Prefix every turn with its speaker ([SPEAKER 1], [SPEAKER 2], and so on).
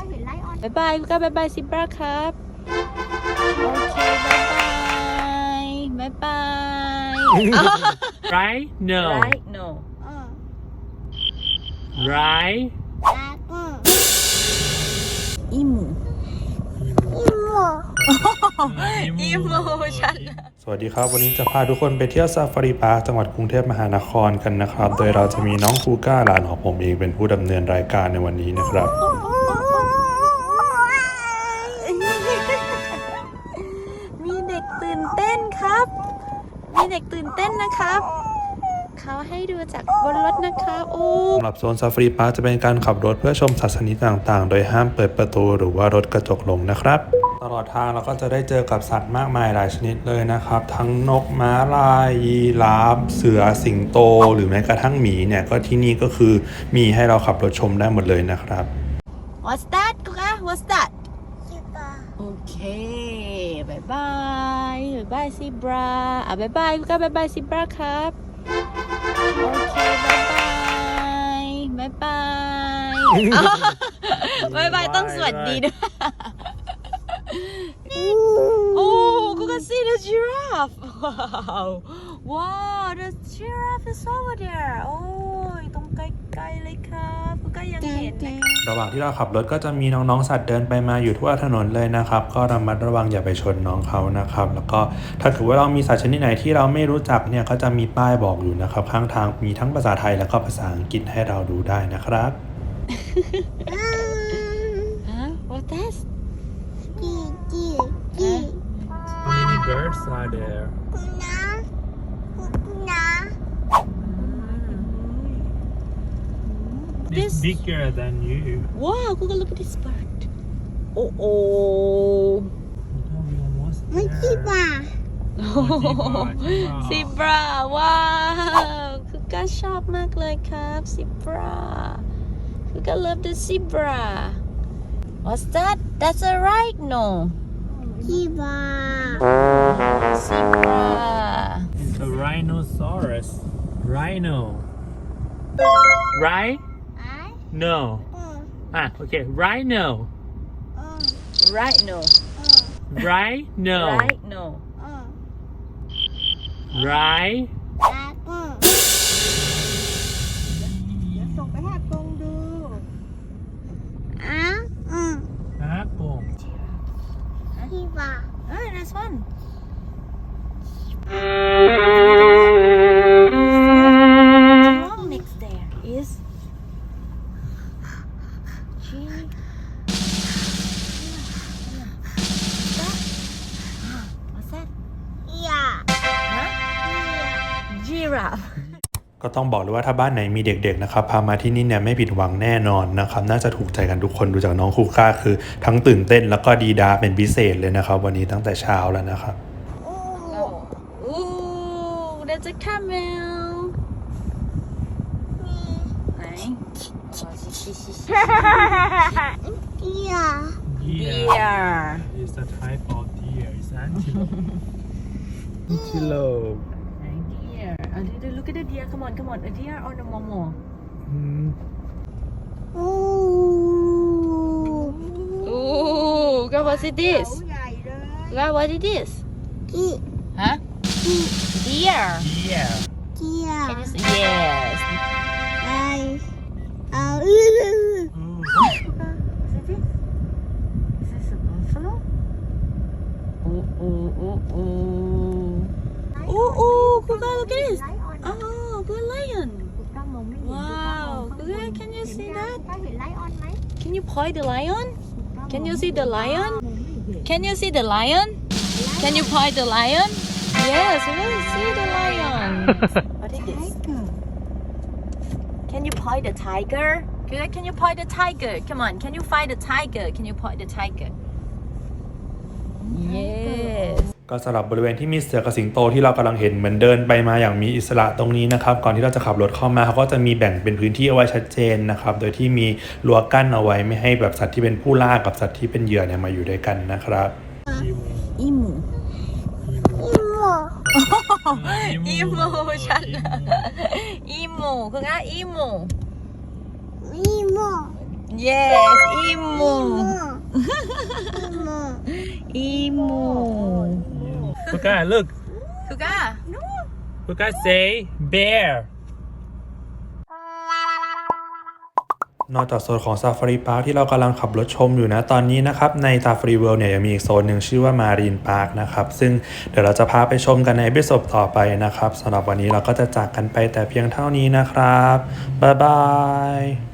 [SPEAKER 1] บ๊ายบายก็บ๊ายบายซิบราครับโอเคบ๊ายบาย
[SPEAKER 2] Right? No.
[SPEAKER 1] right no
[SPEAKER 2] Right?
[SPEAKER 1] อีหมูอีหมูฉัน
[SPEAKER 3] สวัสดีครับวันนี้จะพาทุกคนไปเที่ยวซาฟารีพาร์คจังหวัดกรุงเทพมหานครกันนะครับโดยเราจะมีน้องคูก้าหลานของผมเองเป็นผู้ดำเนินรายการในวันนี้นะครับ
[SPEAKER 1] มีเด็กตื่นเต้นครับมีเด็กตื่นเต้นนะครับเขาให้ดูจากบนรถนะคะโอ้
[SPEAKER 3] สำหรับโซนซาฟารีพาร์คจะเป็นการขับรถเพื่อชมสัตว์ชนิดต่างๆโดยห้ามเปิดประตูหรือว่ารถกระจกลงนะครับตลอดทางเราก็จะได้เจอกับสัตว์มากมายหลายชนิดเลยนะครับทั้งนกม้าลายยีราฟเสือสิงโตหรือแม้กระทั่งหมีเนี่ยก็ที่นี่ก็คือมีให้เราขับรถชมได้หมดเลยนะครับ
[SPEAKER 1] What's that กุ๊ก What's that โอเคบายบายบายซิบราบายบายกุ๊กบายบายซิบราครับโอเคบายบายบายต้องสวัสดีด้วยโอ้กูก็ see the giraffe wow the giraffe is over there โอ้ยตรงไกลๆเลยครับกูก็ยังเห็น
[SPEAKER 3] ระหว่างที่เราขับรถก็จะมีน้องๆสัตว์เดินไปมาอยู่ทั่วถนนเลยนะครับก็ระมัดระวังอย่าไปชนน้องเขานะครับแล้วก็ถ้าถือว่าเรามีสัตว์ชนิดไหนที่เราไม่รู้จักเนี่ยก็จะมีป้ายบอกอยู่นะครับข้างทางมีทั้งภาษาไทยแล้วก็ภาษาอังกฤษให้เราดูได้นะครับ
[SPEAKER 1] What's that
[SPEAKER 2] Many birds are there. It's bigger than you.
[SPEAKER 1] Wow, Google, look at this bird. Oh.
[SPEAKER 2] We almost there.
[SPEAKER 1] Zebra ว้าวคือก็ชอบมากเลยครับ Zebra คือก็ love the zebra What's that? That's a rhino Zebra
[SPEAKER 2] It's a rhinoceros. Rhino. Right? No. Okay. Rhino.
[SPEAKER 1] Rhino
[SPEAKER 2] Right? No.
[SPEAKER 1] Rhino
[SPEAKER 2] Right?
[SPEAKER 1] ส่งไปหาตรงดู
[SPEAKER 2] Apple.
[SPEAKER 1] Nice one Next there is What's that? Giraffe
[SPEAKER 3] ก็ต้องบอกเลยว่าถ้าบ้านไหนมีเด็กๆนะครับพามาที่นี่เนี่ยไม่ผิดหวังแน่นอนนะครับน่าจะถูกใจกันทุกคนดูจากน้องคูก้าคือทั้งตื่นเต้นแล้วก็ดีดาเป็นพิเศษเลยนะครับวันนี้ตั้งแต่เช้าแล้วนะครับ
[SPEAKER 1] There's a camel ไหน Deer
[SPEAKER 2] It's a type of deer. It's antelope. Antelope.
[SPEAKER 1] Deer Look at the deer Come on A deer or the momo Ooh God what's it this God what is this Huh Deer
[SPEAKER 2] Yeah.
[SPEAKER 1] Can you say yes Is this a buffalo? Ooh, Kuga, look at this. Oh, good lion. Wow, Kuga, can you see that? Can you point the lion? Can you see the lion? Can you see the lion? Can you point the lion? Yes, we can see the lion. What is this? Can you point the tiger? Kuga, can you point the tiger? Come on, can you find the tiger? Can you point the tiger? Yes.
[SPEAKER 3] ก็สำหรับบริเวณที่มีเสือกับสิงโตที่เรากำลังเห็นเหมือนเดินไปมาอย่างมีอิสระตรงนี้นะครับก่อนที่เราจะขับรถเข้ามาเขาก็จะมีแบ่งเป็นพื้นที่เอาไว้ชัดเจนนะครับโดยที่มีรั้วกั้นเอาไว้ไม่ให้แบบสัตว์ที่เป็นผู้ล่ากับสัตว์ที่เป็นเหยื่อเนี่ยมาอยู่ด้วยกันนะครับ
[SPEAKER 1] อีหมูฉันอีหมูคือไงอีหมู Yes, emu. Emu.
[SPEAKER 2] Puka, look.
[SPEAKER 1] Kuga.
[SPEAKER 2] Puka say bear.
[SPEAKER 3] นอกจากโซนของ Safari Park ที่เรากำลังขับรถชมอยู่นะตอนนี้นะครับใน Safari World เนี่ยยังมีอีกโซนหนึ่งชื่อว่า Marine Park นะครับซึ่งเดี๋ยวเราจะพาไปชมกันในเอพิโซดต่อไปนะครับสำหรับวันนี้เราก็จะจากกันไปแต่เพียงเท่านี้นะครับบ๊ายบาย